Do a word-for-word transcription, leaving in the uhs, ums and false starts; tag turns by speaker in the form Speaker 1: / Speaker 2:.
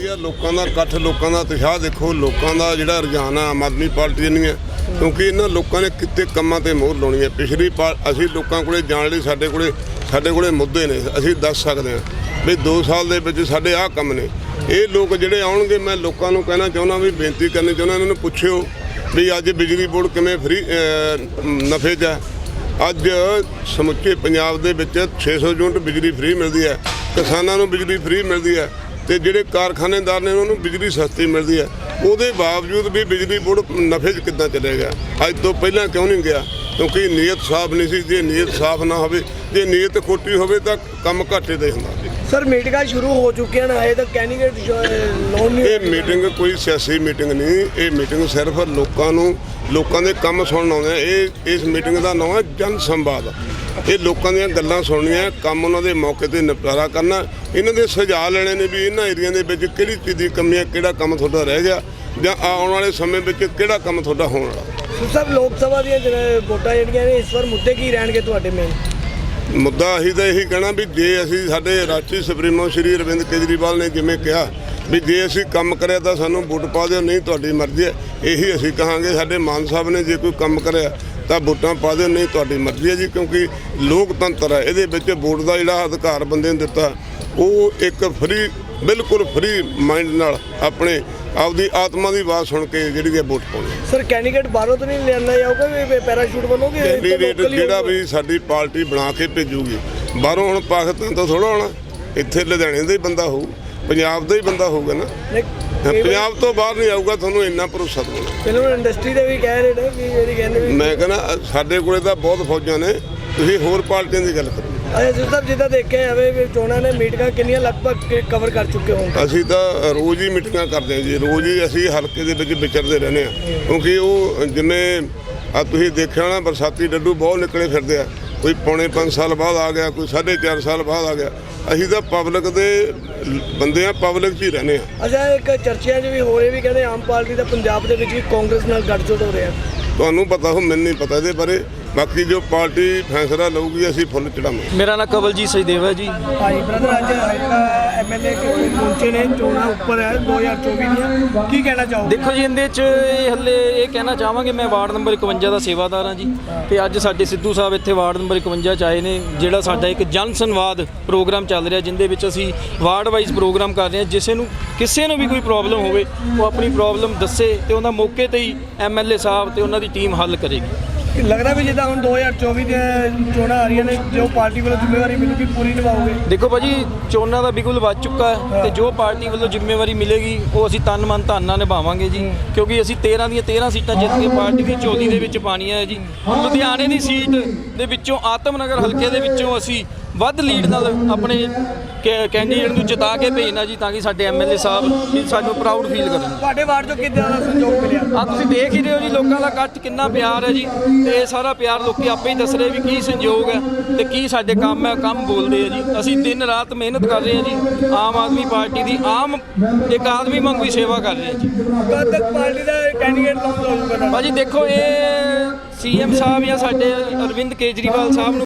Speaker 1: ਆ ਲੋਕਾਂ ਦਾ ਇਕੱਠ, ਲੋਕਾਂ ਦਾ ਉਤਸ਼ਾਹ ਦੇਖੋ, ਲੋਕਾਂ ਦਾ ਜਿਹੜਾ ਰੁਝਾਨ ਆ ਆਮ ਆਦਮੀ ਪਾਰਟੀ ਨਹੀਂ ਹੈ, ਕਿਉਂਕਿ ਇਹਨਾਂ ਲੋਕਾਂ ਨੇ ਕਿਤੇ ਕੰਮਾਂ ਤੇ ਮੋਹਰ ਲਾਉਣੀ ਹੈ। ਪਿਛਲੀ ਪਾ ਅਸੀਂ ਲੋਕਾਂ ਕੋਲੇ ਜਾਣ ਲਈ ਸਾਡੇ ਕੋਲੇ ਸਾਡੇ ਕੋਲੇ ਮੁੱਦੇ ਨੇ, ਅਸੀਂ ਦੱਸ ਸਕਦੇ ਹਾਂ ਵੀ ਦੋ ਸਾਲ ਦੇ ਵਿੱਚ ਸਾਡੇ ਆਹ ਕੰਮ ਨੇ। ਇਹ ਲੋਕ ਜਿਹੜੇ ਆਉਣਗੇ, ਮੈਂ ਲੋਕਾਂ ਨੂੰ ਕਹਿਣਾ ਚਾਹੁੰਦਾ ਵੀ ਬੇਨਤੀ ਕਰਨੀ ਚਾਹੁੰਦਾ, ਇਹਨਾਂ ਨੂੰ ਪੁੱਛਿਓ ਵੀ ਅੱਜ ਬਿਜਲੀ ਬੋਰਡ ਕਿਵੇਂ ਫਰੀ ਨਫੇ 'ਚ ਹੈ। ਅੱਜ ਸਮੁੱਚੇ ਪੰਜਾਬ ਦੇ ਵਿੱਚ ਛੇ ਸੌ ਯੂਨਿਟ ਬਿਜਲੀ ਫਰੀ ਮਿਲਦੀ ਹੈ, ਕਿਸਾਨਾਂ ਨੂੰ ਬਿਜਲੀ ਫਰੀ ਮਿਲਦੀ ਹੈ ਤੇ ਜਿਹੜੇ ਕਾਰਖਾਨੇਦਾਰ ਨੇ ਉਹਨਾਂ ਨੂੰ ਬਿਜਲੀ ਸਸਤੀ ਮਿਲਦੀ ਹੈ। ਉਹਦੇ ਬਾਵਜੂਦ ਵੀ ਬਿਜਲੀ ਬੋਰਡ ਨਫੇ 'ਚ ਕਿੱਦਾਂ ਚੱਲੇਗਾ? ਅੱਜ ਤੋਂ ਪਹਿਲਾਂ ਕਿਉਂ ਨਹੀਂ ਗਿਆ? ਕਿਉਂਕਿ ਨੀਅਤ ਸਾਫ਼ ਨਹੀਂ ਸੀ। ਜੇ ਨੀਅਤ ਸਾਫ਼ ਨਾ ਹੋਵੇ, ਜੇ ਨੀਅਤ ਖੋਟੀ ਹੋਵੇ ਤਾਂ ਕੰਮ ਘਾਟੇ ਦਾ ਹੁੰਦਾ।
Speaker 2: ਸਰ ਮੀਟਿੰਗਾਂ ਸ਼ੁਰੂ ਹੋ ਚੁੱਕੀਆਂ ਨੇ, ਹਜੇ ਤੱਕ ਕੈਂਡੀਡੇਟ ਲੋਨ ਨਹੀਂ।
Speaker 1: ਇਹ ਮੀਟਿੰਗ ਕੋਈ ਸਿਆਸੀ ਮੀਟਿੰਗ ਨਹੀਂ, ਇਹ ਮੀਟਿੰਗ ਸਿਰਫ ਲੋਕਾਂ ਨੂੰ ਲੋਕਾਂ ਦੇ ਕੰਮ ਸੁਣਨ ਆਉਂਦੇ ਆ। ਇਹ ਇਸ ਮੀਟਿੰਗ ਦਾ ਨਾਮ ਹੈ ਜਨ ਸੰਵਾਦ। ਇਹ ਲੋਕਾਂ ਦੀਆਂ ਗੱਲਾਂ ਸੁਣਨੀਆਂ, ਕੰਮ ਉਹਨਾਂ ਦੇ ਮੌਕੇ 'ਤੇ ਨਿਪਟਾਰਾ ਕਰਨਾ, ਇਹਨਾਂ ਦੇ ਸੁਝਾਅ ਲੈਣੇ ਨੇ ਵੀ ਇਹਨਾਂ ਏਰੀਆ ਦੇ ਵਿੱਚ ਕਿਹੜੀ ਚੀਜ਼ ਦੀ ਕਮੀ ਹੈ, ਕਿਹੜਾ ਕੰਮ ਤੁਹਾਡਾ ਰਹਿ ਗਿਆ ਜਾਂ ਆਉਣ ਵਾਲੇ ਸਮੇਂ ਵਿੱਚ ਕਿਹੜਾ ਕੰਮ ਤੁਹਾਡਾ ਹੋਣ ਵਾਲਾ।
Speaker 2: ਸਰ ਲੋਕ ਸਭਾ ਦੀਆਂ ਵੋਟਾਂ ਜਿਹੜੀਆਂ ਨੇ ਇਸ ਵਾਰ ਮੁੱਦੇ ਕੀ ਰਹਿਣਗੇ ਤੁਹਾਡੇ ਮੇਨ?
Speaker 1: ਮੁੱਦਾ ਅਸੀਂ ਤਾਂ ਇਹੀ ਕਹਿਣਾ ਵੀ ਜੇ ਅਸੀਂ ਸਾਡੇ ਰਾਸ਼ਟਰੀ ਸੁਪਰੀਮੋ ਸ਼੍ਰੀ ਅਰਵਿੰਦ ਕੇਜਰੀਵਾਲ ਨੇ ਜਿਵੇਂ ਕਿਹਾ ਵੀ ਜੇ ਅਸੀਂ ਕੰਮ ਕਰਿਆ ਤਾਂ ਸਾਨੂੰ ਵੋਟ ਪਾ ਦਿਓ, ਨਹੀਂ ਤੁਹਾਡੀ ਮਰਜ਼ੀ ਹੈ। ਇਹੀ ਅਸੀਂ ਕਹਾਂਗੇ। ਸਾਡੇ ਮਾਨ ਸਾਹਿਬ ਨੇ ਜੇ ਕੋਈ ਕੰਮ ਕਰਿਆ ਤਾਂ ਵੋਟਾਂ ਪਾ ਦਿਓ, ਨਹੀਂ ਤੁਹਾਡੀ ਮਰਜ਼ੀ ਹੈ ਜੀ, ਕਿਉਂਕਿ ਲੋਕਤੰਤਰ ਹੈ। ਇਹਦੇ ਵਿੱਚ ਵੋਟ ਦਾ ਜਿਹੜਾ ਅਧਿਕਾਰ ਬੰਦੇ ਨੂੰ ਦਿੱਤਾ, ਉਹ ਇੱਕ ਫਰੀ ਬਿਲਕੁਲ ਫਰੀ ਮਾਈਂਡ ਨਾਲ ਆਪਣੇ ਆਪਦੀ ਆਤਮਾ ਦੀ ਆਵਾਜ਼ ਸੁਣ ਕੇ ਜਿਹੜੀ ਹੈ ਵੋਟ ਪਾਉਣੀ।
Speaker 2: ਸਰ ਕੈਂਡੀਡੇਟ ਬਾਹਰੋਂ ਤਾਂ ਨਹੀਂ ਲਿਆਂਦਾ ਜਾਊਗਾ ਵੀ ਪੈਰਾਸ਼ੂਟ ਬਣੋਗੇ?
Speaker 1: ਕੈਂਡੀਡੇਟ ਜਿਹੜਾ ਵੀ ਸਾਡੀ ਪਾਰਟੀ ਬਣਾ ਕੇ ਭੇਜੂਗੀ, ਬਾਹਰੋਂ ਹੁਣ ਪਾਕਿਸਤਾਨ ਤੋਂ ਥੋੜ੍ਹਾ ਆਉਣਾ, ਇੱਥੇ ਲੁਧਿਆਣੇ ਦਾ ਹੀ ਬੰਦਾ ਹੋਊ, ਪੰਜਾਬ ਦਾ ਹੀ ਬੰਦਾ ਹੋਊਗਾ ਨਾ। ਪੰਜਾਬ ਤੋਂ ਬਾਹਰ ਨਹੀਂ ਆਊਗਾ, ਤੁਹਾਨੂੰ ਇੰਨਾ ਭਰੋਸਾ ਦਵਾਉਣਾ।
Speaker 2: ਫਿਲਮ ਇੰਡਸਟਰੀ ਦੇ ਵੀ ਕਹਿ ਰਹੇ ਨੇ ਵੀ ਜਿਹੜੀ ਕਹਿੰਦੇ ਵੀ
Speaker 1: ਮੈਂ ਕਹਿੰਦਾ ਸਾਡੇ ਕੋਲੇ ਤਾਂ ਬਹੁਤ ਫੌਜਾਂ ਨੇ, ਤੁਸੀਂ ਹੋਰ ਪਾਰਟੀਆਂ ਦੀ ਗੱਲ ਕਰੋ।
Speaker 2: ਅੱਛਾ ਜੀ ਸਾਹਿਬ, ਜਿੱਦਾਂ ਦੇਖਿਆ ਜਾਵੇ ਵੀ ਚੋਣਾਂ ਨੇ ਮੀਟਿੰਗਾਂ ਕਿੰਨੀਆਂ ਲਗਭਗ ਕਵਰ ਕਰ ਚੁੱਕੇ ਹੋਣ?
Speaker 1: ਅਸੀਂ ਤਾਂ ਰੋਜ਼ ਹੀ ਮੀਟਿੰਗਾਂ ਕਰਦੇ ਹਾਂ ਜੀ, ਰੋਜ਼ ਹੀ ਅਸੀਂ ਹਲਕੇ ਦੇ ਵਿੱਚ ਵਿਚਰਦੇ ਰਹਿੰਦੇ ਹਾਂ, ਕਿਉਂਕਿ ਉਹ ਜਿਵੇਂ ਆ ਤੁਸੀਂ ਦੇਖਿਆ ਨਾ ਬਰਸਾਤੀ ਡੱਡੂ ਬਹੁਤ ਨਿਕਲੇ ਫਿਰਦੇ ਆ। ਕੋਈ ਪੌਣੇ ਪੰਜ ਸਾਲ ਬਾਅਦ ਆ ਗਿਆ, ਕੋਈ ਸਾਢੇ ਚਾਰ ਸਾਲ ਬਾਅਦ ਆ ਗਿਆ। ਅਸੀਂ ਤਾਂ ਪਬਲਿਕ ਦੇ ਬੰਦੇ ਆ, ਪਬਲਿਕ 'ਚ ਹੀ ਰਹਿੰਦੇ ਆ।
Speaker 2: ਅੱਛਾ, ਇੱਕ ਚਰਚਿਆਂ 'ਚ ਵੀ ਹੋ ਰਹੇ ਵੀ ਕਹਿੰਦੇ ਆਮ ਪਾਰਟੀ ਦਾ ਪੰਜਾਬ ਦੇ ਵਿੱਚ ਵੀ ਕਾਂਗਰਸ ਨਾਲ ਗੱਠਜੋੜ ਹੋ ਰਿਹਾ।
Speaker 1: ਤੁਹਾਨੂੰ ਪਤਾ ਹੋ, ਮੈਨੂੰ ਨਹੀਂ ਪਤਾ ਇਹਦੇ ਬਾਰੇ। ਬਾਕੀ ਜੋ ਪਾਰਟੀ ਫੈਸਲਾ ਲਊਗੀ ਅਸੀਂ ਫੁੱਲ ਚੜਾਵਾਂਗੇ।
Speaker 3: ਮੇਰਾ ਨਾਮ ਕਵਲਜੀਤ ਸਚਦੇਵ ਹੈ ਜੀ।
Speaker 2: ਹਾਂਜੀ ਬ੍ਰਦਰ, ਅੱਜ ਐਮਐਲਏ ਪਹੁੰਚੇ ਨੇ, ਚੋਣਾਂ ਉੱਪਰ ਹੈ ਦੋ ਹਜ਼ਾਰ ਚੌਵੀ ਦੀਆਂ, ਕੀ ਕਹਿਣਾ ਚਾਹੋਗੇ?
Speaker 3: ਦੇਖੋ ਜੀ, ਇਹਦੇ 'ਚ ਇਹ ਹੱਲੇ ਇਹ ਕਹਿਣਾ ਚਾਹਾਂਗੇ, ਮੈਂ ਵਾਰਡ ਨੰਬਰ ਇਕਵੰਜਾ ਦਾ ਸੇਵਾਦਾਰ ਹਾਂ ਜੀ, ਤੇ ਅੱਜ ਸਾਡੇ ਸਿੱਧੂ ਸਾਹਿਬ ਇੱਥੇ ਵਾਰਡ ਨੰਬਰ ਇਕਵੰਜਾ 'ਚ ਆਏ ਨੇ। ਜਿਹੜਾ ਸਾਡਾ ਇੱਕ ਜਨ ਸੰਵਾਦ ਪ੍ਰੋਗਰਾਮ ਚੱਲ ਰਿਹਾ, ਜਿੰਦੇ ਵਿੱਚ ਅਸੀਂ ਵਾਰਡ ਵਾਈਜ਼ ਪ੍ਰੋਗਰਾਮ ਕਰ ਰਹੇ ਹਾਂ। ਜਿਸੇ ਨੂੰ ਕਿਸੇ ਨੂੰ ਵੀ ਕੋਈ ਪ੍ਰੋਬਲਮ ਹੋਵੇ, ਉਹ ਆਪਣੀ ਪ੍ਰੋਬਲਮ ਦੱਸੇ ਤੇ ਉਹਦਾ ਮੌਕੇ 'ਤੇ ਹੀ ਐਮਐਲਏ ਸਾਹਿਬ ਤੇ ਉਹਨਾਂ ਦੀ ਟੀਮ ਹੱਲ ਕਰੇਗੀ।
Speaker 2: ਲੱਗਦਾ ਵੀ ਜਿੱਦਾਂ ਹੁਣ ਦੋ ਹਜ਼ਾਰ ਚੌਵੀ ਦੀਆਂ ਚੋਣਾਂ ਆ ਰਹੀਆਂ ਨੇ, ਜੋ ਪਾਰਟੀ ਵੱਲੋਂ ਜ਼ਿੰਮੇਵਾਰੀ ਮਿਲੂਗੀ ਪੂਰੀ ਨਿਭਾਓਗੇ?
Speaker 3: ਦੇਖੋ ਭਾਜੀ, ਚੋਣਾਂ ਦਾ ਬਿਗੁਲ ਵੱਜ ਚੁੱਕਾ ਹੈ ਤੇ ਜੋ ਪਾਰਟੀ ਵੱਲੋਂ ਜ਼ਿੰਮੇਵਾਰੀ ਮਿਲੇਗੀ ਉਹ ਅਸੀਂ ਤਨ ਮਨ ਧਨ ਨਾਲ ਨਿਭਾਵਾਂਗੇ ਜੀ, ਕਿਉਂਕਿ ਅਸੀਂ ਤੇਰ੍ਹਾਂ ਦੀਆਂ ਤੇਰ੍ਹਾਂ ਸੀਟਾਂ ਜਿੱਤ ਕੇ ਪਾਰਟੀ ਦੀ ਝੋਲੀ ਦੇ ਵਿੱਚ ਪਾਣੀਆਂ ਹੈ ਜੀ। ਲੁਧਿਆਣੇ ਦੀ ਸੀਟ ਦੇ ਵਿੱਚੋਂ ਆਤਮ ਨਗਰ ਹਲਕੇ ਦੇ ਵਿੱਚੋਂ ਅਸੀਂ ਵੱਧ ਲੀਡ ਨਾਲ ਆਪਣੇ ਕੈਂਡੀਡੇਟ ਨੂੰ ਜਿਤਾ ਕੇ ਭੇਜਣਾ ਜੀ, ਤਾਂ ਕਿ ਸਾਡੇ ਐਮਐਲਏ ਸਾਹਿਬ ਸਾਨੂੰ ਪ੍ਰਾਊਡ ਫੀਲ ਕਰਨ।
Speaker 2: ਤੁਹਾਡੇ ਵਾਰਡ 'ਚੋਂ ਕਿੱਦਾਂ ਦਾ ਸਹਿਯੋਗ ਮਿਲਿਆ?
Speaker 3: ਆ ਤੁਸੀਂ ਦੇਖ ਹੀ ਰਹੇ ਹੋ ਜੀ, ਲੋਕਾਂ ਦਾ ਇਕੱਠ ਕਿੰਨਾ ਪਿਆਰ ਹੈ ਜੀ, ਤੇ ਇਹ ਸਾਰਾ ਪਿਆਰ ਲੋਕੀ ਆਪੇ ਹੀ ਦੱਸ ਰਹੇ ਵੀ ਕੀ ਸੰਯੋਗ ਹੈ ਤੇ ਕੀ ਸਾਡੇ ਕੰਮ ਹੈ, ਕੰਮ ਬੋਲਦੇ ਆ ਜੀ। ਅਸੀਂ ਦਿਨ ਰਾਤ ਮਿਹਨਤ ਕਰ ਰਹੇ ਹਾਂ ਜੀ, ਆਮ ਆਦਮੀ ਪਾਰਟੀ ਦੀ ਆਮ ਇੱਕ ਆਦਮੀ ਵਾਂਗੂ ਹੀ ਸੇਵਾ ਕਰ ਰਹੇ ਹਾਂ ਜੀ।
Speaker 2: ਕਦ ਤੱਕ ਪਾਰਟੀ ਦਾ ਕੈਂਡੀਡੇਟ ਲਾਉਂਦਾ ਹੋਊਗਾ?
Speaker 3: ਭਾਜੀ ਦੇਖੋ, ਇਹ ਸੀਐਮ ਸਾਹਿਬ ਜਾਂ ਸਾਡੇ ਅਰਵਿੰਦ ਕੇਜਰੀਵਾਲ ਸਾਹਿਬ ਨੂੰ